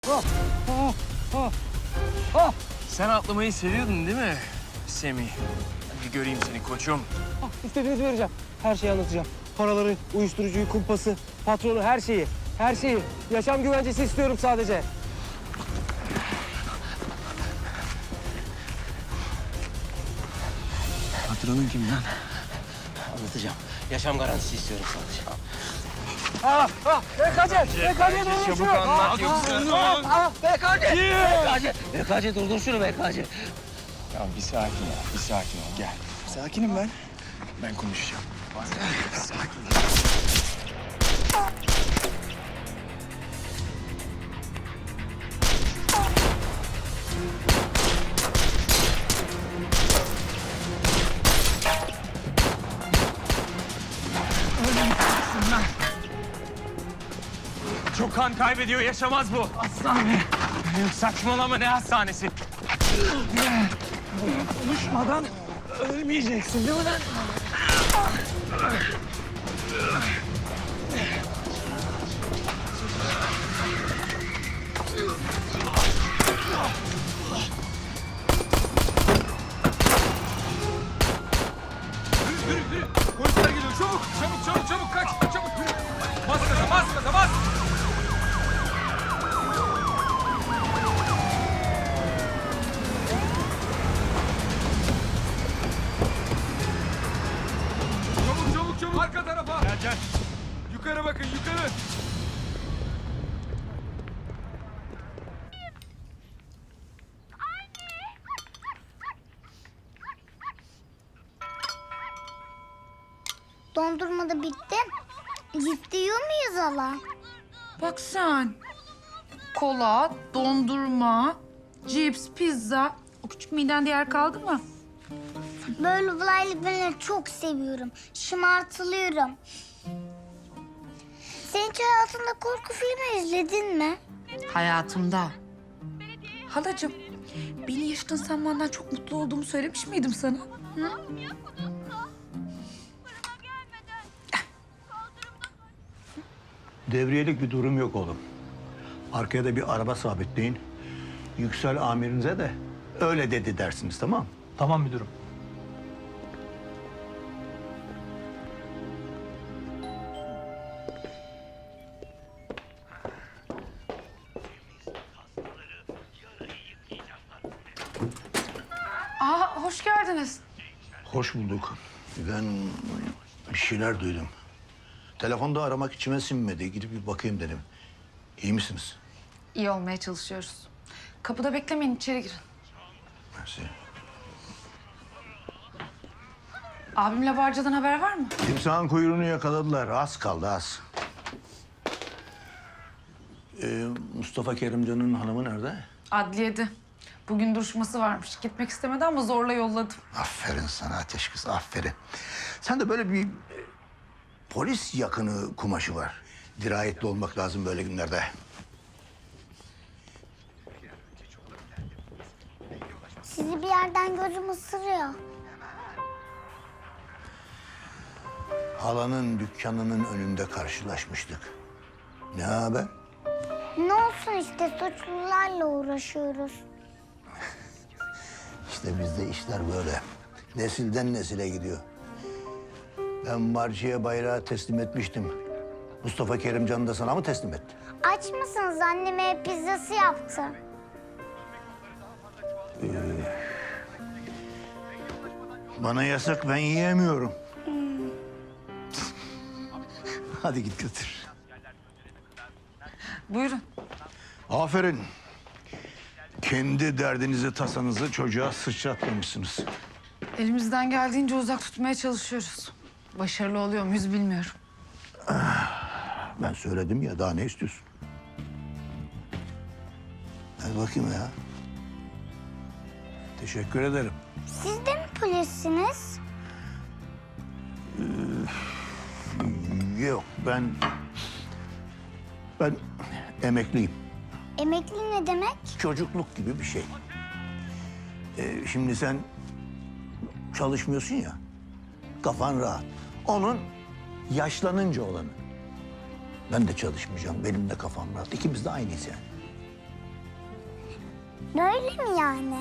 Sen atlamayı seviyordun değil mi Semih? Hadi göreyim seni koçum. İstediğinizi vereceğim. Her şeyi anlatacağım. Paraları, uyuşturucuyu, kumpası, patronu, her şeyi. Her şeyi. Yaşam güvencesi istiyorum sadece. Patronun kim lan? Anlatacağım. Yaşam garantisi istiyorum sadece. BKC Çabuk anlat yoksa. BKC durdur şunu BKC. Tamam bir sakin ol, bir sakin ol. Gel. Sakinim ben. Ben konuşacağım. Sakin. Çok kan kaybediyor, yaşamaz bu. Hastane. Saçmalama, ne hastanesi? Konuşmadan ölmeyeceksin değil mi lan? Polisler geliyor. Çabuk, çabuk, çabuk, çabuk. Kaç, çabuk. Bas gaza, bas gaza, bas. Çabuk, çabuk, çabuk. Arka tarafa. Gel gel. Yukarı bakın, yukarı. Dondurma da bitti. İstiyor muyuz hala? Bak sen. Kola, dondurma, cips, pizza. O küçük midende yer kaldı mı? Böyle olaylı ben çok seviyorum. Şımartılıyorum. Sen hiç hayatında korku filmi izledin mi? Hayatımda. Halacığım, beni yaşadığın sen benden çok mutlu olduğumu söylemiş miydim sana? Hı? Devriyelik bir durum yok oğlum. Arkaya da bir araba sabitleyin. Yüksel amirinize de öyle dedi dersiniz, tamam mı? Tamam müdürüm. Aa, hoş geldiniz. Hoş bulduk. Ben bir şeyler duydum. Telefonda aramak içime sinmedi. Gidip bir bakayım dedim. İyi misiniz? İyi olmaya çalışıyoruz. Kapıda beklemeyin, içeri girin. Mersi. Abimle Barca'dan haber var mı? Timsahın kuyruğunu yakaladılar. Az kaldı, az. Mustafa Kerimcan'ın hanımı nerede? Adliyede. Bugün duruşması varmış. Gitmek istemedi ama zorla yolladım. Aferin sana ateş kız, aferin. Sen de böyle bir polis yakını kumaşı var. Dirayetli olmak lazım böyle günlerde. Sizi bir yerden gözüm ısırıyor. Halanın dükkanının önünde karşılaşmıştık. Ne haber? Ne olsun işte suçlularla uğraşıyoruz. İşte bizde işler böyle. Nesilden nesile gidiyor. Ben Marci'ye bayrağı teslim etmiştim. Mustafa Kerimcan da sana mı teslim etti? Aç mısınız? Anneme pizzası yaptı. Bana yasak, ben yiyemiyorum. Hadi git götür. Buyurun. Aferin. Kendi derdinizi, tasanızı çocuğa sıçratmamışsınız. Elimizden geldiğince uzak tutmaya çalışıyoruz. Başarılı oluyor muyuz bilmiyorum. Ben söyledim ya, daha ne istiyorsun? Hadi bakayım ya. Teşekkür ederim. Siz de mi polissiniz? Yok, ben emekliyim. Emekli ne demek? Çocukluk gibi bir şey. Şimdi sen çalışmıyorsun ya, kafan rahat. Onun yaşlanınca olanı. Ben de çalışmayacağım, benim de kafam rahat. İkimiz de aynıyız yani. Böyle mi yani?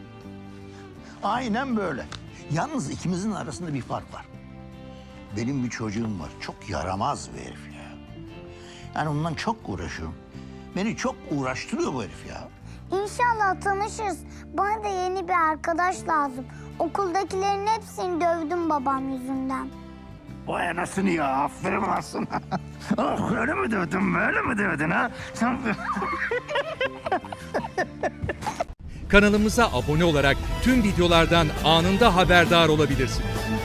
Aynen böyle. Yalnız ikimizin arasında bir fark var. Benim bir çocuğum var. Çok yaramaz bir herif ya. Yani ondan çok uğraşıyorum. Beni çok uğraştırıyor bu herif ya. İnşallah tanışırız. Bana da yeni bir arkadaş lazım. Okuldakilerin hepsini dövdüm babam yüzünden. Vay anasını ya. Aferin lan sana. Oh, öyle mi dövdün, böyle mi dövdün ha? Sen... Kanalımıza abone olarak tüm videolardan anında haberdar olabilirsiniz.